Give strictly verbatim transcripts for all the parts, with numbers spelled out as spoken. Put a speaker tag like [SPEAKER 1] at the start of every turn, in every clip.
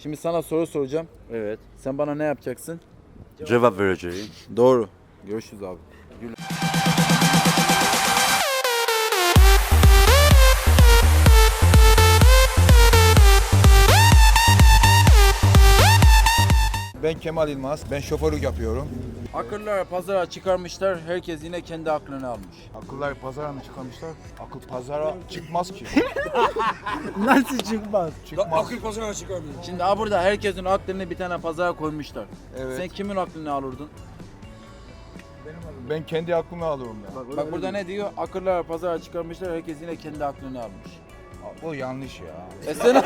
[SPEAKER 1] Şimdi sana soru soracağım.
[SPEAKER 2] Evet.
[SPEAKER 1] Sen bana ne yapacaksın?
[SPEAKER 2] Cevap vereceğim.
[SPEAKER 1] Doğru. Görüşürüz abi.
[SPEAKER 3] Ben Kemal İlmaz. Ben şoförlük yapıyorum.
[SPEAKER 1] Akıllar pazara çıkarmışlar. Herkes yine kendi aklını almış.
[SPEAKER 3] Akıllar pazara mı çıkarmışlar? Akıl pazara çıkmaz ki.
[SPEAKER 4] Nasıl çıkmaz?
[SPEAKER 3] Çıkmaz.
[SPEAKER 1] Şimdi ha burada herkesin aklını bir tane pazara koymuşlar.
[SPEAKER 3] Evet.
[SPEAKER 1] Sen kimin aklını alırdın?
[SPEAKER 3] Ben kendi aklımı alıyorum ya.
[SPEAKER 1] Bak burada ne diyor? Akıllar pazara çıkarmışlar. Herkes yine kendi aklını almış.
[SPEAKER 3] Bu yanlış ya.
[SPEAKER 1] E sen...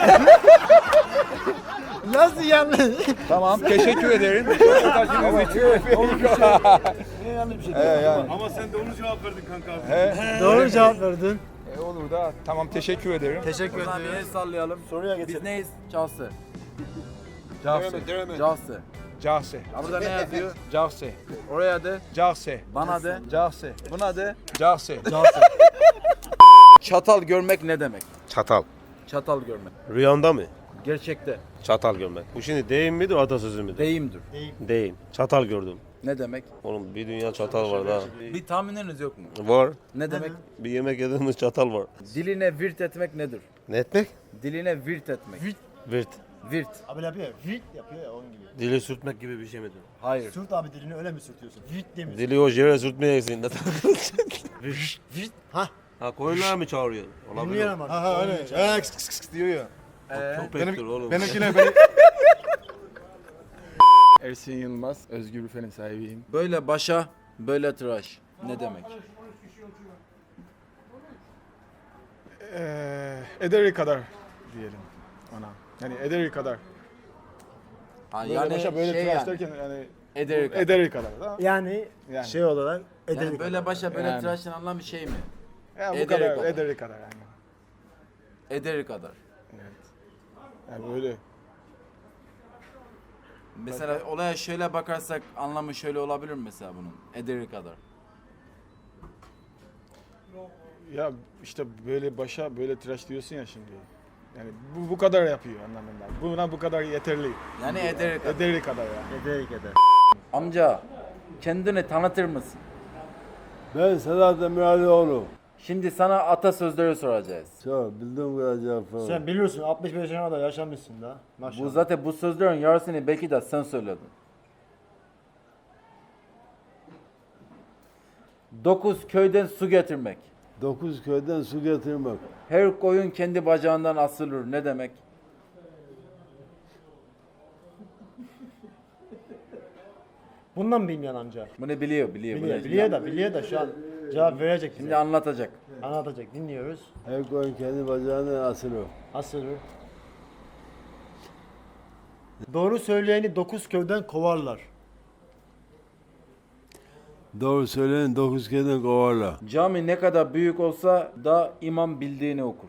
[SPEAKER 4] Nasıl yanlış?
[SPEAKER 3] Tamam, teşekkür ederim. Röportajınız için.
[SPEAKER 4] Yanlış bir şey.
[SPEAKER 3] He yani.
[SPEAKER 5] Ama sen de onu cevap verdin kanka abi.
[SPEAKER 3] He.
[SPEAKER 4] Doğru cevap verdin.
[SPEAKER 3] E, olur da tamam teşekkür ederim.
[SPEAKER 4] Teşekkür
[SPEAKER 1] O zaman bir el
[SPEAKER 4] ederim.
[SPEAKER 1] sallayalım.
[SPEAKER 4] Soruya
[SPEAKER 1] Biz
[SPEAKER 4] geçelim.
[SPEAKER 1] neyiz? Çalsı.
[SPEAKER 3] Cahse.
[SPEAKER 1] Çalsı.
[SPEAKER 3] Cahse.
[SPEAKER 1] Ha burada ne yazıyor?
[SPEAKER 3] Cahse.
[SPEAKER 1] Oraya de,
[SPEAKER 3] Cahse.
[SPEAKER 1] bana de,
[SPEAKER 3] Cahse.
[SPEAKER 1] buna de.
[SPEAKER 3] Cahse.
[SPEAKER 1] Çatal görmek ne demek?
[SPEAKER 2] Çatal.
[SPEAKER 1] Çatal görmek.
[SPEAKER 2] Rüyanda mı?
[SPEAKER 1] Gerçekte.
[SPEAKER 2] Çatal görmek. Bu şimdi deyim midir, atasözü müdür?
[SPEAKER 1] Deyimdir.
[SPEAKER 2] Deyim. Çatal gördüm.
[SPEAKER 1] Ne demek?
[SPEAKER 2] Oğlum bir dünya çatal var da.
[SPEAKER 1] Bir tahmininiz yok mu?
[SPEAKER 2] Var.
[SPEAKER 1] Ne demek?
[SPEAKER 2] Bir yemek yediğimiz çatal var.
[SPEAKER 1] Diline virt etmek nedir?
[SPEAKER 2] Ne etmek?
[SPEAKER 1] Diline virt etmek.
[SPEAKER 2] Virt.
[SPEAKER 1] Virt.
[SPEAKER 4] Abi yapıyor. Vit yapıyor ya onun gibi.
[SPEAKER 2] Dili sürtmek gibi bir şey midir?
[SPEAKER 1] Hayır.
[SPEAKER 4] Sürt abi dilini öyle mi sürtüyorsun? Vit demiyorsun.
[SPEAKER 2] Dili o yere sürtmeyeceksin.
[SPEAKER 4] Vit. Ha.
[SPEAKER 2] Ha koyunlar mı çağırıyor? Olabilir.
[SPEAKER 4] Bilmiyorum abi.
[SPEAKER 3] Ha ha öyle. He, kıs kıs kıs diyor ya.
[SPEAKER 2] Köpektir oğlum.
[SPEAKER 3] Benimkine benim...
[SPEAKER 6] Ersin Yılmaz, Özgür Büfe'nin sahibiyim.
[SPEAKER 1] Böyle başa, böyle tıraş. Ne demek?
[SPEAKER 6] Ee, ederi kadar diyelim ona. Yani ederi kadar.
[SPEAKER 1] Ha,
[SPEAKER 6] Böyle
[SPEAKER 1] yani
[SPEAKER 6] başa böyle
[SPEAKER 1] şey
[SPEAKER 6] tıraş
[SPEAKER 1] yani.
[SPEAKER 6] derken yani
[SPEAKER 1] Ederi kadar.
[SPEAKER 6] ederi kadar da.
[SPEAKER 4] Yani,
[SPEAKER 6] Yani.
[SPEAKER 4] şey olarak
[SPEAKER 1] Yani
[SPEAKER 4] edelim.
[SPEAKER 1] böyle başa, böyle
[SPEAKER 6] Yani.
[SPEAKER 1] tıraşın anlamı şey mi?
[SPEAKER 6] Ya bu
[SPEAKER 1] Ederi
[SPEAKER 6] kadar,
[SPEAKER 1] kadar.
[SPEAKER 6] ederi kadar yani.
[SPEAKER 1] Ederi kadar.
[SPEAKER 6] Yani böyle.
[SPEAKER 1] Mesela olaya şöyle bakarsak anlamı şöyle olabilir mi mesela bunun? Ederi kadar.
[SPEAKER 6] Ya işte böyle başa böyle tıraş diyorsun ya şimdi. Yani bu bu kadar yapıyor anlamında. Buna bu kadar yeterli.
[SPEAKER 1] Yani ederi kadar.
[SPEAKER 6] Ederi kadar yani.
[SPEAKER 4] Ederek eder.
[SPEAKER 1] Amca kendini tanıtır mısın?
[SPEAKER 7] Ben Sedat Demiralioğlu.
[SPEAKER 1] Şimdi sana atasözleri soracağız.
[SPEAKER 7] Sor, bildiğim kadar cevap ver.
[SPEAKER 4] Sen biliyorsun altmış beş yaşına kadar yaşamışsın da. Maşallah.
[SPEAKER 1] Bu zaten bu sözlerin yarısını belki de sen söyledin. Dokuz köyden su getirmek.
[SPEAKER 7] Dokuz köyden su getirmek.
[SPEAKER 1] Her koyun kendi bacağından asılır. Ne demek?
[SPEAKER 4] Bundan mı bilmiyorsun amca?
[SPEAKER 1] Bunu biliyor, biliyor.
[SPEAKER 4] Biliyor,
[SPEAKER 1] Bunu-
[SPEAKER 4] biliyor da biliyor da şu an cevap verecek
[SPEAKER 1] Şimdi
[SPEAKER 4] bize.
[SPEAKER 1] anlatacak.
[SPEAKER 4] Anlatacak. Dinliyoruz.
[SPEAKER 7] Her koyun kendi bacağından asılır.
[SPEAKER 4] Asılır. Doğru söyleyeni dokuz köyden kovarlar.
[SPEAKER 7] Doğru söyleyin dokuz köyden kovarlar.
[SPEAKER 1] Cami ne kadar büyük olsa da imam bildiğini okur.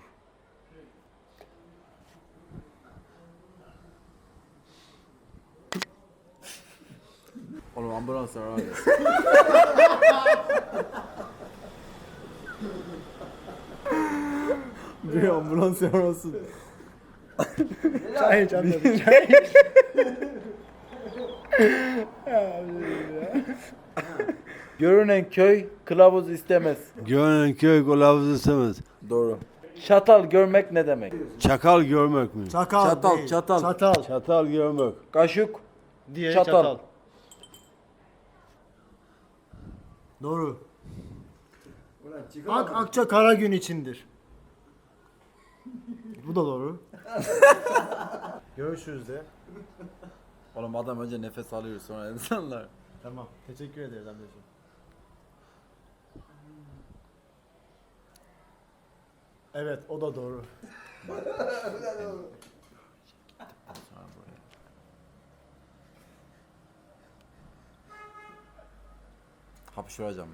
[SPEAKER 1] Oğlum ambulans var abi.
[SPEAKER 4] Bir ambulans yarası. Çay iç amca bir çay.
[SPEAKER 1] Görünen köy kılavuz istemez.
[SPEAKER 7] Görünen köy kılavuz istemez.
[SPEAKER 1] Doğru. Çatal görmek ne demek?
[SPEAKER 7] Çakal görmek mi?
[SPEAKER 4] Çakal
[SPEAKER 1] Çatal,
[SPEAKER 4] değil.
[SPEAKER 1] çatal.
[SPEAKER 4] Çatal.
[SPEAKER 7] Çatal görmek.
[SPEAKER 1] Kaşık,
[SPEAKER 4] Diye
[SPEAKER 1] çatal.
[SPEAKER 4] çatal. Doğru. Ak akça kara gün içindir. Bu da doğru. Görüşürüz de.
[SPEAKER 1] Oğlum adam önce nefes alıyor sonra insanlar.
[SPEAKER 4] Tamam. Teşekkür ederiz amcacığım. Evet, o da doğru.
[SPEAKER 1] Hapşıracağım.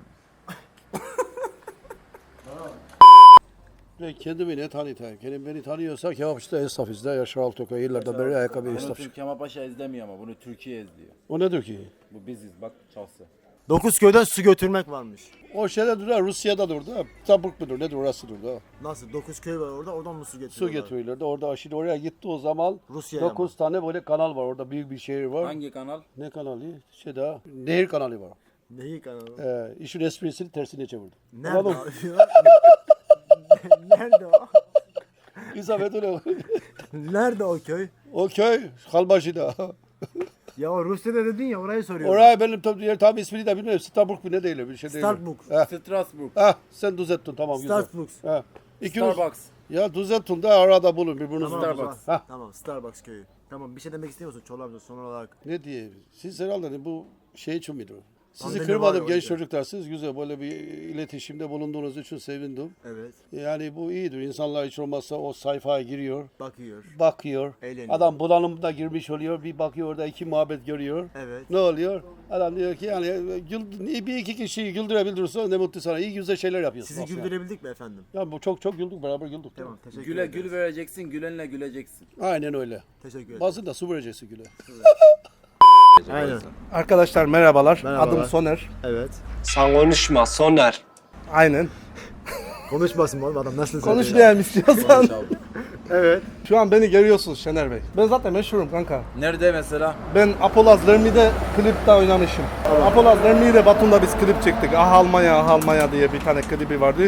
[SPEAKER 8] Ben kendimi ne tanıtayım? Kendim beni tanıyorsa kebapçıda esnafız da Yaşar Altoka yıllardan beri ayakkabı
[SPEAKER 1] Bunu
[SPEAKER 8] esnaf.
[SPEAKER 1] Türk Kemal Paşa izlemiyor ama bunu Türkiye izliyor.
[SPEAKER 8] O nedir ki?
[SPEAKER 1] Bu biziz bak çalsı.
[SPEAKER 4] Dokuz köyden su götürmek varmış.
[SPEAKER 8] O şeyde durur, Rusya'da durdu. Tabuk mudur, nedir orası durdu.
[SPEAKER 4] Nasıl? Dokuz köy var orada, oradan mı su
[SPEAKER 8] Su
[SPEAKER 4] getiriyorlar?
[SPEAKER 8] getiriyorlardı. Orada şimdi oraya gitti o zaman.
[SPEAKER 4] Rusya'ya
[SPEAKER 8] dokuz tane böyle kanal var. Orada büyük bir şehir var.
[SPEAKER 1] Hangi kanal?
[SPEAKER 8] Ne kanalı? Şey daha. Nehir kanalı var.
[SPEAKER 4] Neyi kanalı?
[SPEAKER 8] Ee, işin esprisini tersine çevirdi.
[SPEAKER 4] Nerede
[SPEAKER 8] Anladın mı?
[SPEAKER 4] abi ya? Nerede o?
[SPEAKER 8] İsabet öyle.
[SPEAKER 4] Nerede o köy?
[SPEAKER 8] O köy Halbaşı'da.
[SPEAKER 4] Ya o Rusya'da dedin ya, orayı soruyorum.
[SPEAKER 8] Oraya benim tam, yer, tam ismini de bilmiyorum. Starbucks bir ne değil bir şey değil.
[SPEAKER 4] Starbucks.
[SPEAKER 8] Heh,
[SPEAKER 1] Strasbourg.
[SPEAKER 8] heh, sen düzelttin tamam güzel.
[SPEAKER 4] Starbucks.
[SPEAKER 8] Heh. İkiniz,
[SPEAKER 1] Starbucks.
[SPEAKER 8] ya düzelttin de arada bulun birbirinizi.
[SPEAKER 4] Tamam, o zaman.
[SPEAKER 1] Starbucks.
[SPEAKER 8] Heh.
[SPEAKER 4] Tamam, Starbucks köyü. Tamam, bir şey demek istemiyorsun Çolak amca son olarak.
[SPEAKER 8] Ne diye? Siz herhalde bu şey için miydi? Sizi
[SPEAKER 4] Pandemi
[SPEAKER 8] kırmadım
[SPEAKER 4] var
[SPEAKER 8] genç
[SPEAKER 4] orada.
[SPEAKER 8] çocuklar. Siz güzel böyle bir iletişimde bulunduğunuz için sevindim.
[SPEAKER 4] Evet.
[SPEAKER 8] Yani bu iyidir. İnsanlar hiç olmazsa o sayfaya giriyor.
[SPEAKER 4] Bakıyor.
[SPEAKER 8] Bakıyor.
[SPEAKER 4] Eğleniyor.
[SPEAKER 8] Adam bulanımda girmiş oluyor. Bir bakıyor orada iki muhabbet görüyor.
[SPEAKER 4] Evet.
[SPEAKER 8] Ne oluyor? Adam diyor ki yani gül, bir iki kişiyi güldürebilirse ne mutlu sana. İyi güzel şeyler yapıyorsun.
[SPEAKER 4] Sizi
[SPEAKER 8] aslında.
[SPEAKER 4] güldürebildik mi efendim?
[SPEAKER 8] Ya bu çok çok güldük beraber güldük.
[SPEAKER 4] Tamam, teşekkür
[SPEAKER 1] Güle
[SPEAKER 4] ederiz.
[SPEAKER 1] gül vereceksin, gülenle güleceksin.
[SPEAKER 8] Aynen öyle.
[SPEAKER 4] Teşekkür ederim.
[SPEAKER 8] Bazen de su vereceksin güle.
[SPEAKER 4] Aynen.
[SPEAKER 3] Arkadaşlar merhabalar.
[SPEAKER 4] Merhabalar.
[SPEAKER 3] Adım Soner.
[SPEAKER 4] Evet.
[SPEAKER 9] Sen konuşma Soner.
[SPEAKER 3] Aynen.
[SPEAKER 4] Konuşmasın oğlum adam, nasıl
[SPEAKER 3] Konuşmayayım istiyorsan.
[SPEAKER 4] Evet.
[SPEAKER 3] Şu an beni görüyorsunuz Şener Bey. Ben zaten meşhurum kanka.
[SPEAKER 1] Nerede mesela?
[SPEAKER 3] Ben Apolaz Lermi'de klipte oynamışım. Apolaz Lermi'de Batum'da biz klip çektik. Ah Almanya, Ah Almanya diye bir tane klibi vardı.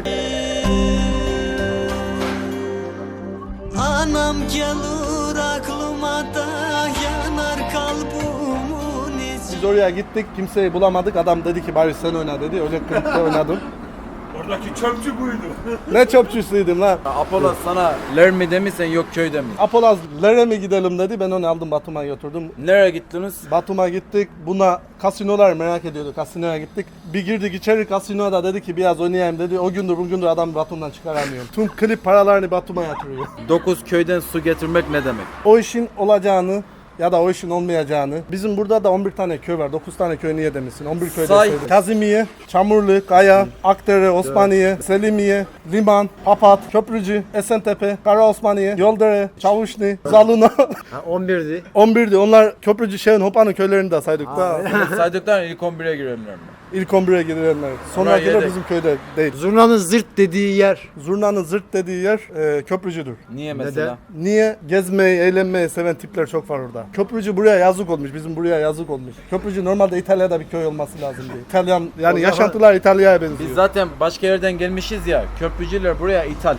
[SPEAKER 10] Anam gelir aklıma da yanar kalbimin içi.
[SPEAKER 3] Biz oraya gittik, kimseyi bulamadık. Adam dedi ki bari sen oyna dedi. Öyle klipte oynadım.
[SPEAKER 5] Oradaki çöpçü buydu.
[SPEAKER 3] Ne çöpçüsüydüm lan.
[SPEAKER 1] Apollo sana Lermi'de mi sen yok köyde mi?
[SPEAKER 3] Apolaz Ler'e mi gidelim dedi. Ben onu aldım Batum'a götürdüm.
[SPEAKER 1] Nereye gittiniz?
[SPEAKER 3] Batum'a gittik. Buna kasinolar merak ediyordu. Kasinoya gittik. Bir girdik içeri, kasinoda dedi ki biraz oynayayım dedi. O gündür bugündür adam Batum'dan çıkaramıyor. Tüm klip paralarını Batum'a yatırıyor.
[SPEAKER 1] Dokuz köyden su getirmek ne demek?
[SPEAKER 3] O işin olacağını ya da o işin olmayacağını. Bizim burada da on bir tane köy var. dokuz tane köy niye demişsin? on bir köy
[SPEAKER 1] Say.
[SPEAKER 3] deseydin. Kazimiye, Çamurlu, Kaya, Akdere, Osmaniye, Selimiye, Liman, Papat, Köprücü, Esentepe, Kara Osmaniye, Yoldere, Çavuşlu, Zaluna.
[SPEAKER 4] Ha, on birdi.
[SPEAKER 3] on birdi. Onlar Köprücü, Şehrin, Hopa'nın köylerini de saydık da.
[SPEAKER 1] Saydıktan ilk on bire girenler mi?
[SPEAKER 3] İlk on bire girenler. Sonrakiler
[SPEAKER 1] yedek.
[SPEAKER 3] bizim köyde değil.
[SPEAKER 4] Zurnanın zırt dediği yer.
[SPEAKER 3] Zurnanın zırt dediği yer e, Köprücüdür.
[SPEAKER 1] Niye mesela?
[SPEAKER 3] Niye? Gezmeyi, eğlenmeyi seven tipler çok var orada. Köprücü buraya yazık olmuş, bizim buraya yazık olmuş. Köprücü normalde İtalya'da bir köy olması lazım diye. İtalyan, yani
[SPEAKER 4] zaman-
[SPEAKER 3] yaşantılar İtalya'ya benziyor.
[SPEAKER 1] Biz zaten başka yerden gelmişiz ya. Köprücüler buraya ithal.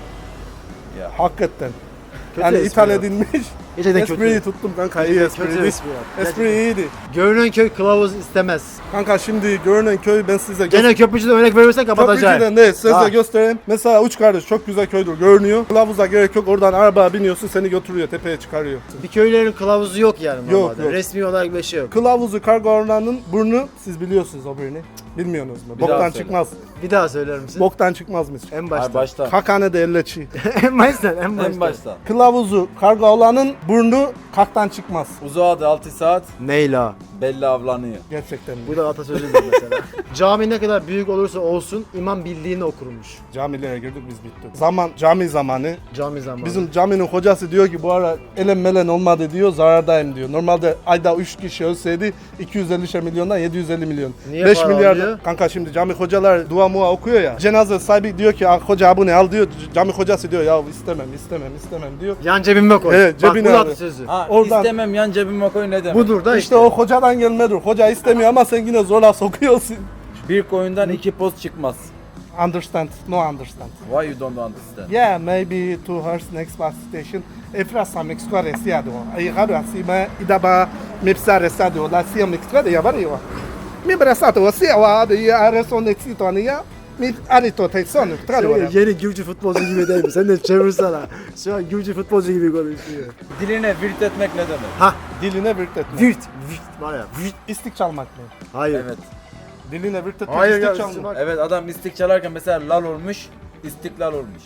[SPEAKER 3] Hakikaten.
[SPEAKER 4] Kötü
[SPEAKER 3] yani
[SPEAKER 4] espri
[SPEAKER 3] ithal
[SPEAKER 4] ya.
[SPEAKER 3] edilmiş.
[SPEAKER 4] Gerçekten
[SPEAKER 3] Espriyi
[SPEAKER 4] kötü.
[SPEAKER 3] tuttum kanka, iyi
[SPEAKER 4] Kötü
[SPEAKER 3] espriydi.
[SPEAKER 4] espri ya.
[SPEAKER 3] Espri iyiydi.
[SPEAKER 4] Görünen köy kılavuz istemez.
[SPEAKER 3] Kanka şimdi görünen köy ben size
[SPEAKER 4] Gene köprücüden örnek verirsen kapatacağım.
[SPEAKER 3] Köprücüden değil, size
[SPEAKER 4] Ha.
[SPEAKER 3] göstereyim. Mesela Uç Kardeş çok güzel köydür, görünüyor. Kılavuza gerek yok, oradan arabaya biniyorsun, seni götürüyor, tepeye çıkarıyor.
[SPEAKER 4] Bir köylerin kılavuzu yok yani
[SPEAKER 3] Yok,
[SPEAKER 4] normalde.
[SPEAKER 3] yok.
[SPEAKER 4] Resmi olarak bir şey yok.
[SPEAKER 3] Kılavuzu kargo ormanının burnu, siz biliyorsunuz o birini. Bilmiyorsunuz mu?
[SPEAKER 1] Bir daha
[SPEAKER 3] Boktan
[SPEAKER 1] söyle.
[SPEAKER 3] çıkmaz.
[SPEAKER 4] Bir daha söyler misin?
[SPEAKER 3] Boktan çıkmazmış.
[SPEAKER 4] En
[SPEAKER 1] Ay
[SPEAKER 4] başta.
[SPEAKER 1] başta.
[SPEAKER 3] Kakane de elleçi.
[SPEAKER 4] en baştan, en baştan.
[SPEAKER 1] En başta.
[SPEAKER 3] Kılavuzu kargo olanın burnu kaktan çıkmaz.
[SPEAKER 1] Uzağa altı saat
[SPEAKER 4] Neyla.
[SPEAKER 1] belli avlanıyor.
[SPEAKER 3] Gerçekten.
[SPEAKER 4] Bu da atasözüdür mesela. Cami ne kadar büyük olursa olsun imam bildiğini okurmuş.
[SPEAKER 3] Camilere girdik biz bittik. Zaman, cami zamanı.
[SPEAKER 4] Cami zamanı.
[SPEAKER 3] Bizim caminin hocası diyor ki bu ara elem melen olmadı diyor, zarardayım diyor. Normalde ayda üç kişi ölseydi iki yüz elli milyondan yedi yüz elli milyon.
[SPEAKER 4] Niye
[SPEAKER 3] beş
[SPEAKER 4] para
[SPEAKER 3] milyar.
[SPEAKER 4] alıyor?
[SPEAKER 3] Kanka şimdi cami hocalar dua mua okuyor ya. Cenaze sahibi diyor ki "Ah, hoca bu ne al diyor. Cami hocası diyor ya istemem istemem istemem diyor.
[SPEAKER 4] Yan cebime koy.
[SPEAKER 3] Evet,
[SPEAKER 4] Bak
[SPEAKER 3] cebine
[SPEAKER 4] bu da
[SPEAKER 3] alıyor.
[SPEAKER 4] atasözü.
[SPEAKER 1] Ha
[SPEAKER 3] Oradan-
[SPEAKER 1] istemem yan cebime koy ne demek?
[SPEAKER 4] Budur da
[SPEAKER 3] İşte,
[SPEAKER 4] işte.
[SPEAKER 3] o hocadan gelmedir. Hoca istemiyor ama sen yine zorla sokuyorsun.
[SPEAKER 1] Bir koyundan iki post çıkmaz.
[SPEAKER 3] Understand, no understand.
[SPEAKER 1] Why you don't understand?
[SPEAKER 3] Yeah, maybe to her next bus station. Efrasa Mexico resiado. Ay garo asima idaba mepsa resado. La sia Mexico de yabario. Mi brasato sia wa de areson exitonia. Mi arito tayson.
[SPEAKER 4] Sen yeni Gürcü futbolcu gibi değil mi? Sen de çevirsene. Şu an Gürcü futbolcu gibi konuşuyor.
[SPEAKER 1] Diline virt etmek ne demek?
[SPEAKER 4] Ha,
[SPEAKER 3] Diline virt etmek.
[SPEAKER 4] virt, virt var ya. Virt.
[SPEAKER 3] İstik çalmak mı?
[SPEAKER 4] Hayır.
[SPEAKER 1] Evet.
[SPEAKER 3] Diline virt etmek,
[SPEAKER 4] Hayır
[SPEAKER 3] istik
[SPEAKER 4] ya,
[SPEAKER 3] çalmak.
[SPEAKER 4] bak.
[SPEAKER 1] Evet adam istik çalarken mesela lal olmuş, istiklal olmuş.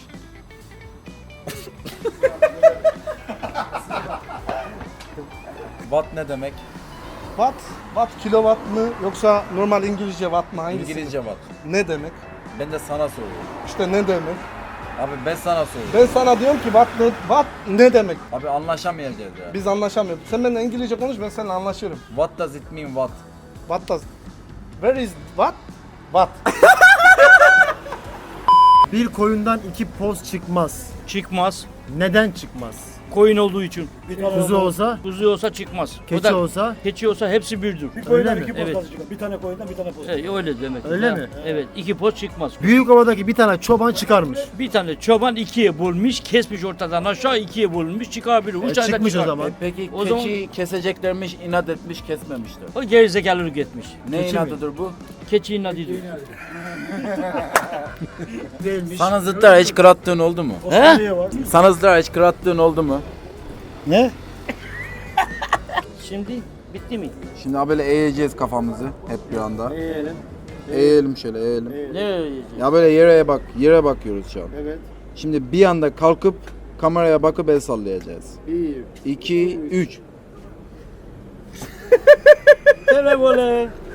[SPEAKER 1] Watt ne demek?
[SPEAKER 3] Watt, watt kilowatt mı yoksa normal İngilizce watt mı? Hangisi?
[SPEAKER 1] İngilizce watt.
[SPEAKER 3] Ne demek?
[SPEAKER 1] Ben de sana soruyorum.
[SPEAKER 3] İşte ne demek?
[SPEAKER 1] Abi ben sana soruyorum.
[SPEAKER 3] Ben sana diyorum ki watt ne, watt ne demek?
[SPEAKER 1] Abi anlaşamayacağız ya.
[SPEAKER 3] Biz anlaşamıyoruz. Sen benimle İngilizce konuş, ben seninle anlaşırım.
[SPEAKER 1] What does it mean what?
[SPEAKER 3] What does... Where is what? What?
[SPEAKER 4] Bir koyundan iki poz çıkmaz.
[SPEAKER 11] Çıkmaz.
[SPEAKER 4] Neden çıkmaz?
[SPEAKER 11] Koyun olduğu için.
[SPEAKER 4] Kuzu olsa,
[SPEAKER 11] Kuzu olsa çıkmaz. O
[SPEAKER 4] keçi
[SPEAKER 11] da-
[SPEAKER 4] olsa
[SPEAKER 11] Keçi olsa hepsi birdir.
[SPEAKER 4] öyle mi?
[SPEAKER 11] Evet.
[SPEAKER 5] Bir tane koyundan bir tane poz.
[SPEAKER 11] Evet, öyle demek.
[SPEAKER 4] Öyle
[SPEAKER 11] Ha,
[SPEAKER 4] mi?
[SPEAKER 11] Evet. iki poz çıkmaz.
[SPEAKER 4] Büyükova'daki bir tane çoban çıkarmış.
[SPEAKER 11] Bir tane çoban ikiye bölmüş, kesmiş ortadan aşağı ikiye bölünmüş, çıkabilir. Üç
[SPEAKER 4] E,
[SPEAKER 11] ayda
[SPEAKER 4] çıkmış o
[SPEAKER 11] çıkar.
[SPEAKER 4] zaman.
[SPEAKER 1] E peki
[SPEAKER 11] O
[SPEAKER 1] keçi keseceklermiş, inat etmiş, kesmemişler.
[SPEAKER 11] O gerizekalılık etmiş.
[SPEAKER 1] Ne
[SPEAKER 4] Keçi mi?
[SPEAKER 1] inatıdır bu?
[SPEAKER 11] Keçi inadıdır.
[SPEAKER 4] Değilmiş.
[SPEAKER 1] Sana zıtlar hiç kırattığın oldu mu?
[SPEAKER 11] He?
[SPEAKER 1] Sana zıtlar hiç kırattığın oldu mu?
[SPEAKER 4] Ne?
[SPEAKER 11] Şimdi bitti mi?
[SPEAKER 1] Şimdi ha böyle eğeceğiz kafamızı hep bir anda.
[SPEAKER 4] Eğelim.
[SPEAKER 1] Eğelim şöyle eğelim.
[SPEAKER 11] Ne öyle?
[SPEAKER 1] Ya böyle yere bak, yere bakıyoruz şu an.
[SPEAKER 4] Evet.
[SPEAKER 1] Şimdi bir anda kalkıp kameraya bakıp el sallayacağız.
[SPEAKER 4] Bir.
[SPEAKER 1] iki, üç.
[SPEAKER 11] Telefonu.